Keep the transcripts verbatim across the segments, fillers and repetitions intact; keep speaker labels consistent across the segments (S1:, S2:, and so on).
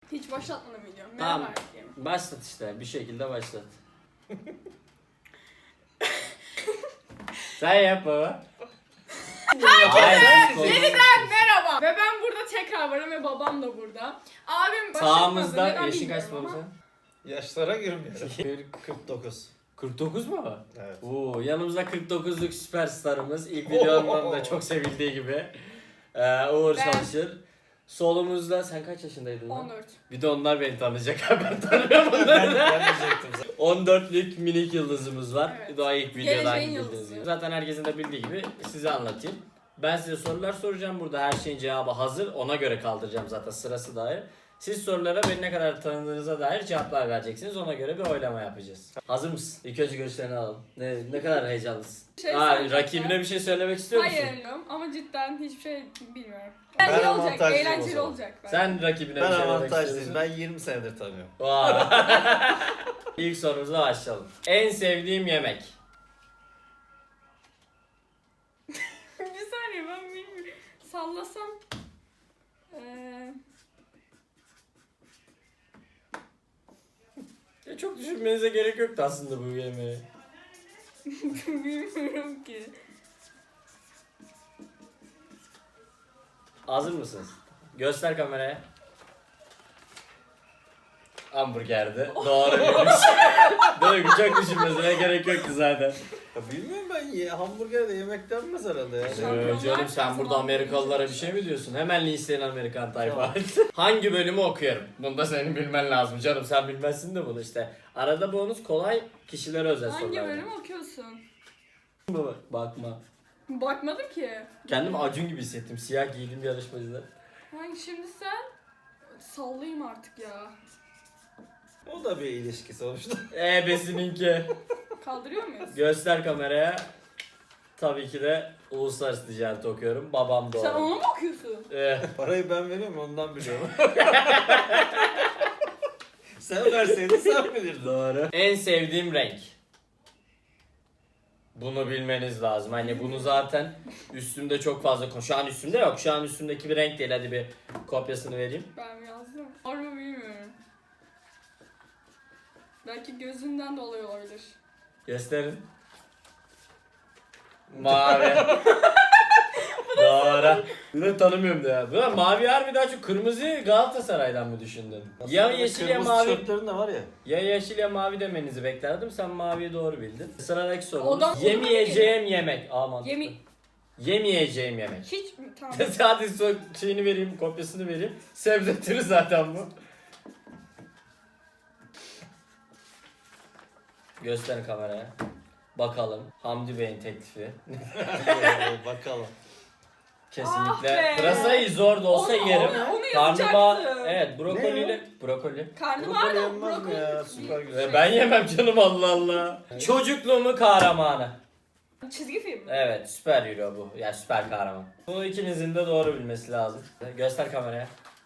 S1: Hiç başlatmadım video. Merhaba
S2: Tamam.
S1: herkese.
S2: Başlat işte. Bir şekilde başlat. Sen yap baba.
S1: Herkese
S2: Hayır,
S1: yeniden merhaba. Ve ben burada tekrar varım ve babam da burada. Abim başlatmadı.
S2: Sağımızda
S1: neden
S2: yaşın
S1: bilmiyorum
S2: kaç baba
S1: ama.
S2: sen?
S3: Yaşlara girmiyorum. kırk dokuz.
S2: kırk dokuz mu?
S3: Evet.
S2: Oo, yanımızda kırk dokuzluk süperstarımız. İlk videomdan da çok sevildiği gibi. Ee, Uğur
S1: Ben-
S2: Çalışır. Solumuzda sen kaç yaşındaydın lan?
S1: on dört.
S2: Bir de onlar beni tanıyacak. Ben tanıyorum
S3: Ben,
S2: onları.
S3: ben diyecektim zaten.
S2: on dörtlük minik yıldızımız var.
S1: Evet.
S2: Daha ilk videodan
S1: Geleceğin
S2: bildiğiniz
S1: yıldızı.
S2: gibi. Zaten herkesin de bildiği gibi size anlatayım. Ben size sorular soracağım. Burada her şeyin cevabı hazır. Ona göre kaldıracağım zaten sırası dair. Siz sorulara beni ne kadar tanıdığınıza dair cevaplar vereceksiniz. Ona göre bir oylama yapacağız. Hazır mısın? İlk önce görüşlerini alalım. Ne, ne kadar heyecanlısın.
S1: Şey
S2: Aa,
S1: söyleyeceğim.
S2: rakibine bir şey söylemek istiyor musun?
S1: Hayır bilmiyorum ama cidden hiçbir şey bilmiyorum.
S3: Ben
S1: Eğlenceli olacak,
S3: avantajlıyım o
S1: eğlenceli
S3: zaman.
S1: olacak. bence.
S2: Sen rakibine
S3: Ben
S2: bir şey demek
S3: avantajlıyım.
S2: istiyorsun.
S3: Ben yirmi senedir tanıyorum.
S2: Vay. İlk sorumuza başlayalım. En sevdiğim yemek.
S1: Bir saniye ben bilmiyorum. Sallasam. Eee...
S2: Ya çok düşünmenize gerek yoktu aslında bu yemeği.
S1: bilmiyorum ki.
S2: Hazır mısınız? Göster kameraya. Hamburgerdi. Doğru bilmiş. Değil mi? Çok düşünmesine gerek yoktu zaten.
S3: Ya bilmiyorum ben ye, hamburger de yemek denmez herhalde ya.
S1: Şampiyonlar
S2: Ee, canım sen
S1: Kupası
S2: burada Amerikalılara bir şey mi diyorsun? Hemen listeyin Amerikan tayfa. Hangi bölümü okuyorum? Bunu da senin bilmen lazım canım. Sen bilmezsin de bunu işte. Arada bonus kolay kişilere özel
S1: Hangi
S2: sorular.
S1: bölüm okuyorsun?
S2: Bakma.
S1: Bakmadım ki.
S2: Kendimi Acun gibi hissettim. Siyah giydim yarışmacıda.
S1: Hangi şimdi sen? Sallayayım artık ya.
S3: O da bir ilişki sonuçta.
S2: Ebesininki.
S1: Kaldırıyor muyuz?
S2: Göster kameraya. Tabii ki de uluslararası ticaret okuyorum. Babam doğru.
S1: Sen onu mu okuyorsun?
S2: Ee,
S3: Parayı ben veriyorum ondan biliyorum. Sen verseydin sen bilirdin.
S2: doğru. En sevdiğim renk. Bunu bilmeniz lazım. Hani bunu zaten üstümde çok fazla... Şu an üstümde yok. Şu an üstümdeki bir renk değil. Hadi bir kopyasını vereyim.
S1: Ben yazdım. Var mı bilmiyorum. Belki gözünden dolayı olabilir.
S2: Gösterin. Mavi. Doğru. Bunu tanımıyorum da ya. Bu mavi harbi daha çok kırmızı Galatasaray'dan mı düşündün? Ya yeşil ya
S3: Kırmızı
S2: mavi.
S3: tişörtlerin de var ya.
S2: Ya yeşil ya mavi demenizi beklerdim. Sen maviyi doğru bildin. Sıradaki
S1: Odan-
S2: sorumuz.
S1: odan
S2: Yemeyeceğim yemek. Aa, mantıklı.
S1: Yemi...
S2: Yemeyeceğim yemek.
S1: Hiç mi? Tamam.
S2: Hadi so- şeyini vereyim, kopyasını vereyim. Sebze türü zaten bu. Gösterin kameraya. Bakalım. Hamdi Bey'in teklifi.
S3: Bakalım.
S2: Kesinlikle.
S1: Ah be.
S2: Pırasayı zor da olsa
S1: Onu-
S2: yerim.
S1: onu- onu
S2: Karnabahar,
S1: yazacaktım.
S2: evet brokoliyle.
S3: Ne
S2: Brokoli.
S1: Karnabahar
S3: Brokoli
S1: da
S3: yenmez mi
S1: brokoli.
S3: ya? Süper güzel.
S2: Ve ben yemem canım Allah Allah. Çocukluğumun kahramanı.
S1: Çizgi film mi?
S2: Evet, süper hero bu. Yani süper kahraman. Bunu ikinizin de doğru bilmesi lazım. Göster kameraya.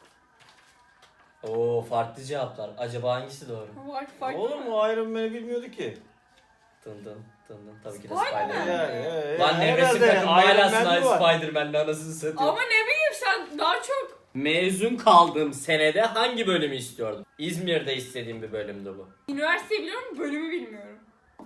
S2: Oo, farklı cevaplar. Acaba hangisi doğru?
S1: Var farklı
S3: Oğlum
S1: mı?
S3: o Iron Man'i bilmiyorduk ki.
S2: Tın tın tın tın. Tabii ki de
S1: Spider-Man.
S2: Spider-Man.
S3: Yani. e,
S2: Lan
S3: herhalde
S2: nevresim takım hala
S3: Iron Man mi var?
S2: Spider-Man'le anasını satıyor.
S1: Ama ne bileyim sen daha çok
S2: Mezun kaldığım senede hangi bölümü istiyordum? İzmir'de istediğim bir bölümdü bu.
S1: üniversiteyi biliyorum bölümü bilmiyorum.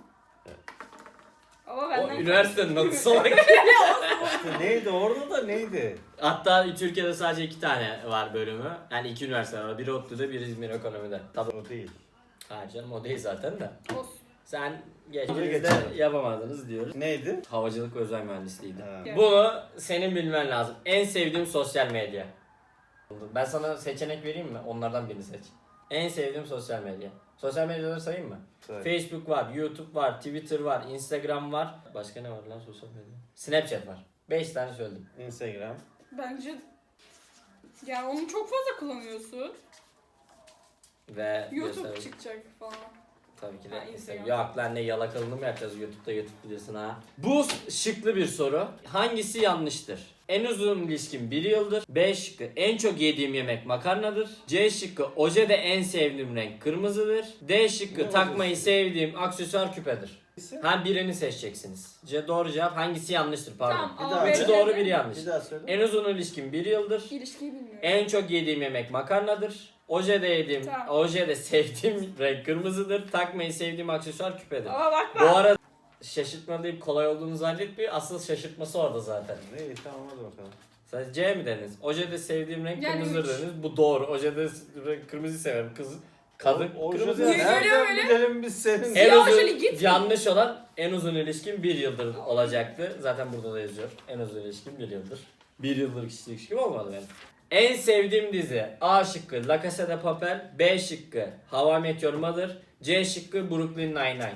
S1: Ama
S2: O
S1: benden
S2: üniversitenin adı salak.
S3: İşte neydi orada da neydi?
S2: Hatta Türkiye'de sadece iki tane var bölümü. Yani iki üniversite var. Biri ODTÜ'de, biri İzmir Ekonomi'de. Tabii.
S3: O değil.
S2: Ha canım o değil zaten de.
S1: Olsun.
S2: Sen geç.
S3: Tabii
S2: İkiniz de
S3: geçelim.
S2: yapamadınız diyoruz.
S3: Neydi?
S2: Havacılık ve özel mühendisliğiydi.
S3: Ha.
S1: Evet.
S2: Bunu senin bilmen lazım. En sevdiğim sosyal medya. Ben sana seçenek vereyim mi? Onlardan birini seç. En sevdiğim sosyal medya. Sosyal medyaları sayayım mı?
S3: Söyle.
S2: Facebook var, YouTube var, Twitter var, Instagram var. Başka ne var lan sosyal medya? Snapchat var. beş tane söyledim.
S3: Instagram.
S1: Bence yani onu çok fazla kullanıyorsun.
S2: Ve
S1: YouTube
S2: göster-
S1: çıkacak falan.
S2: Tabii ki
S1: Ha,
S2: de
S1: Instagram.
S2: Instagram. Yok lan ne yalakalını mı yapacağız YouTube'da YouTube videosunu ha? Bu şıklı bir soru. Hangisi yanlıştır? En uzun ilişkim bir yıldır. B şıkkı en çok yediğim yemek makarnadır. C şıkkı ojede en sevdiğim renk kırmızıdır. D şıkkı
S3: Ne
S2: takmayı
S3: ojesi?
S2: sevdiğim aksesuar küpedir. Ha birini seçeceksiniz. C doğru cevap hangisi yanlıştır pardon.
S1: Tamam,
S3: Bir
S1: A,
S3: daha.
S1: B,
S2: Üçü
S1: C,
S2: doğru
S1: D.
S2: biri yanlış.
S3: Bir daha söyle.
S2: En uzun ilişkim bir yıldır.
S1: İlişkiyi bilmiyorum.
S2: En çok yediğim yemek makarnadır. Ojede yediğim,
S1: Tamam.
S2: ojede sevdiğim renk kırmızıdır. Takmayı sevdiğim aksesuar küpedir.
S1: Ama bak
S2: Bu
S1: bak.
S2: arada şaşırtma deyip kolay olduğunu zannetmiyor. Asıl şaşırtması orada zaten.
S3: İyi tamam hadi bakalım.
S2: Sen C mi dediniz? Ojede sevdiğim renk
S1: Yani
S2: kırmızıdır
S1: üç.
S2: dediniz. Bu doğru. Ojede renk kırmızı severim. Kız, kadın
S3: O
S2: kırmızı.
S3: yüzden
S1: Niye görüyor
S3: nereden
S1: öyle?
S3: bilelim biz senin?
S2: En
S1: Siyah
S2: uzun,
S1: ojeli git.
S2: yanlış olan en uzun ilişkim bir yıldır olacaktı. Zaten burada da yazıyor. En uzun ilişkim bir yıldır. Bir yıldır kişilik ilişkim olmadı benim. En sevdiğim dizi A şıkkı La Casa de Papel, B şıkkı How I Met Your Mother, C şıkkı Brooklyn Nine-Nine.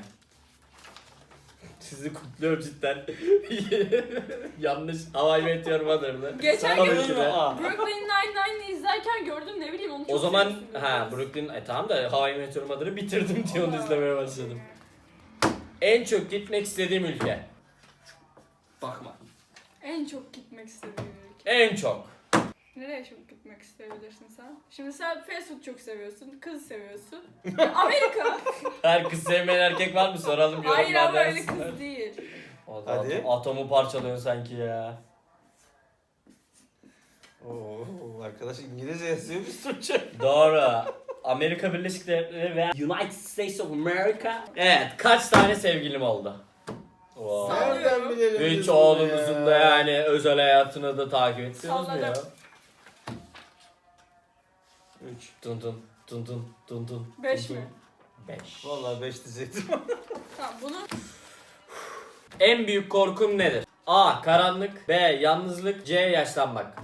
S2: Sizi kutluyorum cidden. Yanlış How I Met Your Mother'dı.
S1: Geçen
S2: Tabii
S1: gün
S2: ki de.
S1: Brooklyn Nine-Nine'i izlerken gördüm, ne bileyim onu çok
S2: O zaman
S1: sevmiştim
S2: ha
S1: biraz.
S2: Brooklyn e, tamam da How I Met Your Mother'ı bitirdim diye onu
S1: Aa.
S2: izlemeye başladım. En çok gitmek istediğim ülke. Bakma.
S1: En çok gitmek istediğim ülke.
S2: En çok.
S1: Nereye çok gitmek isteyebilirsin sen? Şimdi sen fast food çok seviyorsun, kız seviyorsun. Amerika.
S2: Her kız sevmeyen erkek var mı soralım yorumlarda.
S1: Hayır ama öyle
S2: yazsınlar.
S1: kız değil.
S2: O da
S3: Hadi.
S2: atom- atomu parçalıyorsun sanki ya.
S3: Oo, arkadaş İngilizce yazıyor biz Türkçe.
S2: Doğru. Amerika Birleşik Devletleri veya United States of America. Evet, kaç tane sevgilim oldu? Wow.
S1: Sağ-
S3: Nereden bilelim biz
S2: Üç
S3: bunu
S2: oğlunuzun
S3: ya?
S2: da yani özel hayatını da takip ediyorsunuz mu ya?
S1: Salladım.
S3: Üç.
S2: Dun dun dun dun dun dun.
S1: Beş
S2: dun
S1: mi?
S2: dun. Beş.
S3: Vallahi beş diyecektim.
S1: Tamam bunu
S2: En büyük korkum nedir? A. Karanlık. B. Yalnızlık. C. Yaşlanmak.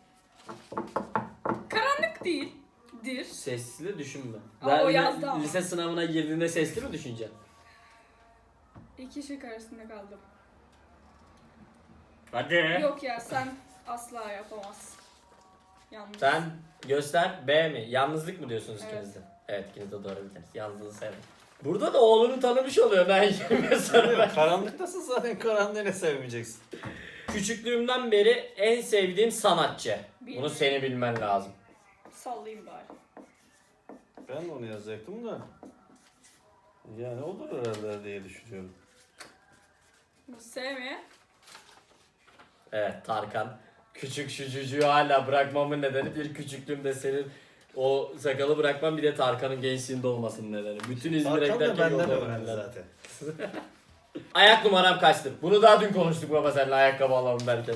S1: karanlık değil. Dir.
S2: Sesli düşünme.
S1: Aa, o
S2: Ben
S1: yazdı ama.
S2: lise sınavına girdiğinde sesli mi düşüneceksin?
S1: İki şık arasında kaldım.
S2: Hadi.
S1: Yok ya, sen asla yapamazsın. Yalnız.
S2: Sen göster B mi? Yalnızlık mı diyorsunuz
S1: Evet.
S2: ikiniz de? Evet, ikiniz de doğru bildiniz. Yalnızlığı sevdim. Burada da oğlunu tanımış oluyor ben yemin sana ben.
S3: Karanlıktasın zaten, karanlığı ne sevmeyeceksin.
S2: Küçüklüğümden beri en sevdiğim sanatçı. Bunu
S1: Bilmiyorum.
S2: seni bilmen lazım.
S1: Sallayayım bari.
S3: Ben de onu yazacaktım da. Yani olur herhalde diye düşünüyorum.
S1: Bu sevmeye.
S2: Evet, Tarkan. Küçük şu çocuğu hala bırakmamın nedeni bir küçüklüğümde senin o sakalı bırakmam, bir de Tarkan'ın gençliğinde olmasının nedeni. Bütün İzmir'e
S3: Tarkan da
S2: giderken
S3: benden
S2: yolda
S3: öğrendi
S2: öğrendiler.
S3: zaten.
S2: Ayak numaram kaçtır? Bunu daha dün konuştuk baba seninle ayakkabı alalım derken.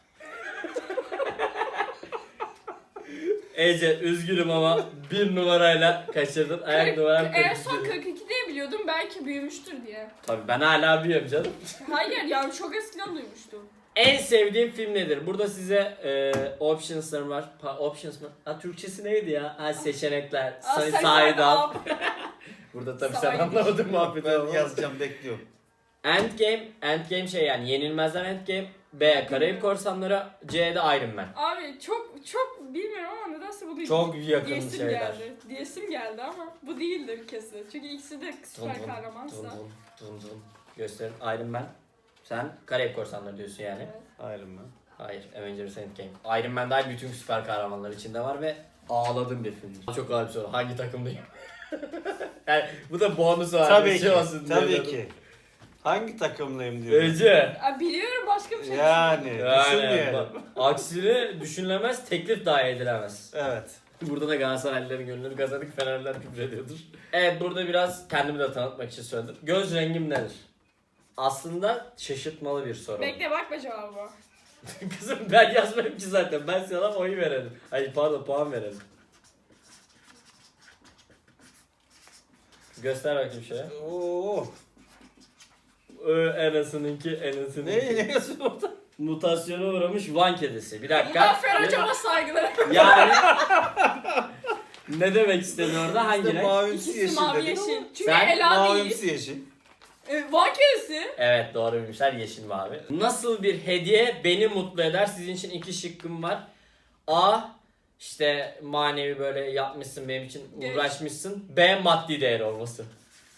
S2: Ece üzgünüm ama bir numarayla kaçırdın. Ayak numaram
S1: En
S2: kırk
S1: son
S2: iki.
S1: kırk iki diye biliyordum, belki büyümüştür diye.
S2: Tabii ben hala biliyorum canım.
S1: Hayır yani çok eskiden duymuştum.
S2: En sevdiğim film nedir? Burada size e, options'larım var. Pa, options mı? Ha, Türkçesi neydi ya? Ha, seçenekler.
S1: Aa,
S2: Side
S1: sen-
S2: up.
S1: Aa,
S2: Burada tabii sen
S1: Side.
S2: anlamadın muhabbeti
S3: Ben
S2: ama.
S3: yazacağım, bekliyorum.
S2: Endgame. Endgame şey yani Yenilmezler Endgame. B. Karayip Korsanları. C'de Iron Man.
S1: Abi çok çok bilmiyorum ama nedense bu değil.
S2: Çok yakın
S1: Diyesim
S2: şeyler.
S1: geldi. Diyesim geldi ama bu değildir kesin. Çünkü ikisi de süper
S2: Dun dun,
S1: kahramansa.
S2: dun dun, dun dun. Gösterin. Iron Man. Sen Karayip Korsanları diyorsun yani.
S1: Evet.
S3: Ayrım ben.
S2: Hayır. Avengers Endgame. Iron Man dahil bütün süper kahramanlar içinde var ve ağladığım bir film. Çok ağır bir soru. Hangi takımdayım? Yani bu da bonus var.
S3: Tabii
S2: bir
S3: ki,
S2: şey olsun diye
S3: tabii
S2: dedim.
S3: ki. Hangi takımlıyım diyor.
S2: Ece.
S1: Aa, biliyorum, başka bir şey.
S3: Yani,
S2: Yani
S3: düşünmeyelim.
S2: bak, aksini düşünülemez, teklif dahi edilemez.
S3: Evet.
S2: Burada da Galatasaraylıların gönlünü kazandık, Fenerliler küfrediyordur. Evet, burada biraz kendimi de tanıtmak için söyledim. Göz rengim nedir? Aslında şaşırtmalı bir soru.
S1: Bekle, bakma cevabı.
S2: Kızım ben yazmadım ki zaten. Ben sana oyu verelim. Hayır pardon, puan verelim. Göster bakayım şöyle.
S3: Oo.
S2: Ö, Enes'inki, Enes'inki.
S3: Ne, ne yazıyor orada?
S2: Mutasyona uğramış Van kedisi. Bir dakika.
S1: Muzaffer hocama saygılar.
S2: Yani ne demek istedi orada? Hangi
S3: İşte
S2: renk?
S3: mavimsi
S1: İkisi
S3: yeşil
S1: mavi
S3: dedim
S1: yeşil.
S3: ama.
S1: Çünkü
S2: Sen
S1: Ela değil.
S3: Mavimsi yeşil.
S1: E, Van kedisi.
S2: Evet, doğru bilmişler, yeşil mavi. Nasıl bir hediye beni mutlu eder? Sizin için iki şıkkım var. A. İşte manevi böyle yapmışsın, benim için
S1: Geç.
S2: uğraşmışsın. B. Maddi değer olması.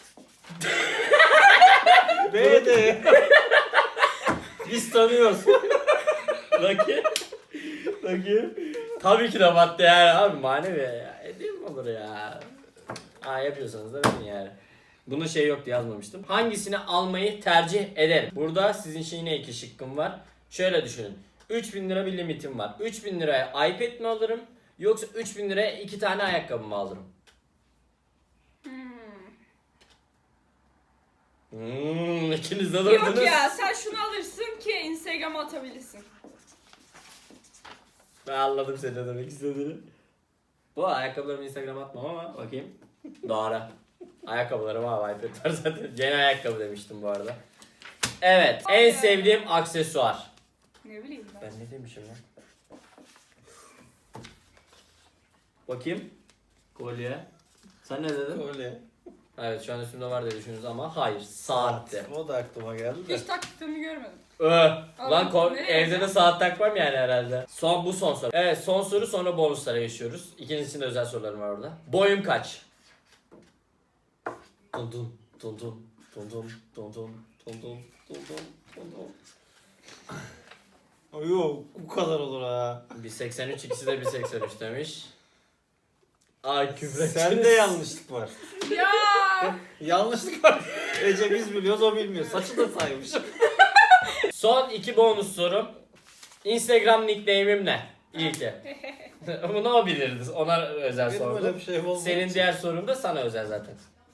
S3: B de.
S2: Biz tanıyoruz. Bakayım. Bakayım. Tabii ki de maddi değer abi, manevi ya. Hediye mi olur ya? Aa, yapıyorsanız da verin yani. Bunun şey yoktu, yazmamıştım. Hangisini almayı tercih ederim? Burada sizin için yine iki şıkkım var. Şöyle düşünün. üç bin lira bir limitim var. üç bin liraya iPad mi alırım? Yoksa üç bin liraya iki tane ayakkabı mı alırım?
S1: Hmm.
S2: Hmm, ikiniz de durdunuz.
S1: Yok ya sen şunu alırsın ki Instagram'a atabilirsin.
S2: Ben anladım senin ne demek istediğini. Bu ayakkabılarımı Instagram'a atmam ama bakayım. Doğru. Ayakkabılarım var, iPad var zaten. Yeni ayakkabı demiştim bu arada. Evet, en
S1: Ay.
S2: sevdiğim aksesuar.
S1: Ne bileyim ben.
S2: Ben ne demişim lan? Bakayım. Kolye. Sen ne dedin?
S3: Öyle.
S2: Evet şu an üstümde var diye düşünüyoruz ama hayır. Saatte.
S3: O da aklıma geldi de.
S1: Hiç taktığımı görmedim.
S2: Öh. Lan
S1: Allah,
S2: ko-
S1: ne?
S2: evde de saat takmam yani herhalde. Son bu son soru. Evet son soru sonra bonuslara geçiyoruz. İkiniz için de özel sorularım var orada. Boyum kaç? Dun dun dun dun dun dun dun dun dun dun dun dun dun dun.
S3: O yok bu kadar olur ha.
S2: bir seksen üç ikisi de bir seksen üç demiş. Ay küfür
S3: Sende yanlışlık var.
S1: Ya
S3: Yanlışlık var. Ece biz biliyoruz o bilmiyor. Saçı da saymış.
S2: Son iki bonus sorum. Instagram nickname'im ne? İlki. Bunu o bilirdi. Ona özel
S3: Benim öyle
S2: sordum.
S3: bir şey olmadı.
S2: Senin diğer sorun da sana özel zaten.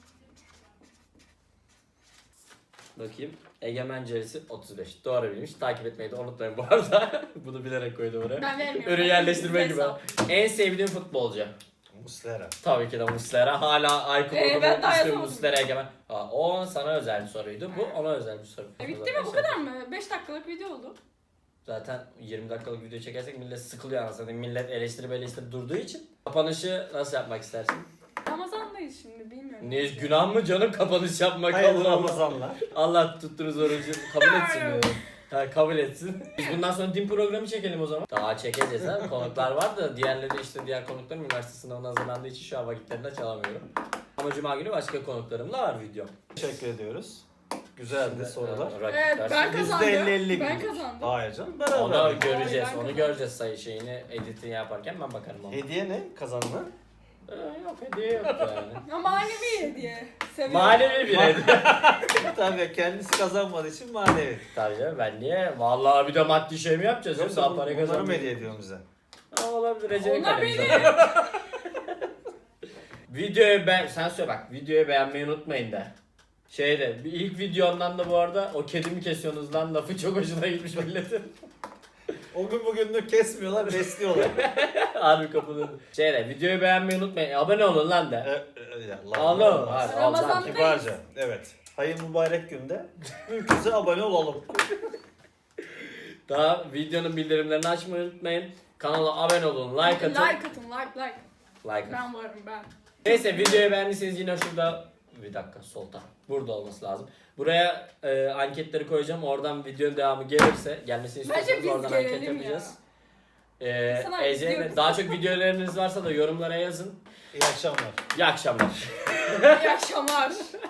S2: Bakayım. Egemen Cerisi otuz beş. Doğru bilmiş. Takip etmeyi de unutmayın bu arada. Bunu bilerek koydum oraya.
S1: ben vermiyorum.
S2: Ürün yerleştirme gibi.
S1: Hesap.
S2: En sevdiğim futbolcu.
S3: Muslera.
S2: Tabii ki de Muslera. Hala Aykut
S1: Ee,
S2: ee,
S1: ben daha
S2: ismi
S1: yazamadım.
S2: Muslera Egemen. Aa, o sana özel bir soruydu. Bu ona özel bir soru.
S1: E, bitti mi bu kadar mı? beş dakikalık video oldu.
S2: Zaten yirmi dakikalık video çekersek millet sıkılıyor anasını. Millet eleştirip eleştirip durduğu için. Kapanışı nasıl yapmak istersin?
S1: Ramazan'dayız şimdi bilmiyorum.
S2: Ne günah mı canım kapanış yapmak?
S3: Hayırlı
S2: Allah Allah.
S3: Ramazanlar.
S2: Allah tuttunuz orucu kabul etsin diyor. Ha, kabul etsin. Biz bundan sonra din programı çekelim o zaman. Daha çekeceğiz ha. Konuklar var da diğerleri işte diğer konuklarım üniversite sınavına hazırlandığı için şu an vakitlerinde çalamıyorum. Ama cuma günü başka konuklarımla var video.
S3: Teşekkür ediyoruz. Güzeldi sorular.
S2: Ha,
S1: Evet
S2: rakipler.
S1: ben
S3: Yüzde
S1: kazandım.
S3: elli elli
S1: Ben
S3: gidiyor.
S1: kazandım.
S3: Hayır canım beraber.
S2: Onu göreceğiz.
S1: ben
S2: Onu
S1: kazandım.
S2: göreceğiz sayı şeyini editini yaparken ben bakarım ona.
S3: Hediye ne? Kazanma.
S2: Ee, yok hediye yok yani.
S1: Ama manevi hediye. Seviyorum.
S2: Manevi bir hediye.
S3: Tabii kendisi kazanmadığı için manevi.
S2: Tabii canım ben niye? Vallahi bir de maddi şey mi yapacağız? Yoksa
S3: Yoksa
S2: daha para
S3: bunları mı
S2: kazanmayız.
S3: hediye ediyorsun bize?
S2: Ha, olabilir. Recep'in
S1: Onlar
S2: kalemi
S1: benim.
S2: zaten. Videoyu ben sen söyle bak videoyu beğenmeyi unutmayın da. Şeyde bir ilk videondan da bu arada o kedimi kesiyorsunuz lan lafı çok hoşuna gitmiş milletin.
S3: O gün bugündür kesmiyorlar, besliyorlar.
S2: Harbi kapıda. Şeyde videoyu beğenmeyi unutmayın. Abone olun lan
S3: E,
S2: da.
S3: e, ya Allah
S2: Allah
S3: Allah.
S2: Allah. Hadi,
S1: Ramazan-
S2: al, al.
S3: Kibarca. Evet. Hayır mübarek günde mümkünse abone olalım.
S2: Daha videonun bildirimlerini açmayı unutmayın. Kanala abone olun, like atın.
S1: Like atın like like.
S2: Like atın.
S1: Ben varım ben.
S2: Neyse videoyu beğendiyseniz yine şurada bir dakika solda burada olması lazım. Buraya e, anketleri koyacağım. Oradan videonun devamı gelirse gelmesini
S1: Bence
S2: istiyorsanız
S1: biz
S2: oradan anket
S1: gelelim
S2: yapacağız.
S1: ya.
S2: Ee,
S1: Sana
S2: Ece'ye de-
S1: izliyoruz.
S2: daha çok videolarınız varsa da yorumlara yazın.
S3: İyi akşamlar.
S2: İyi akşamlar.
S1: İyi akşamlar.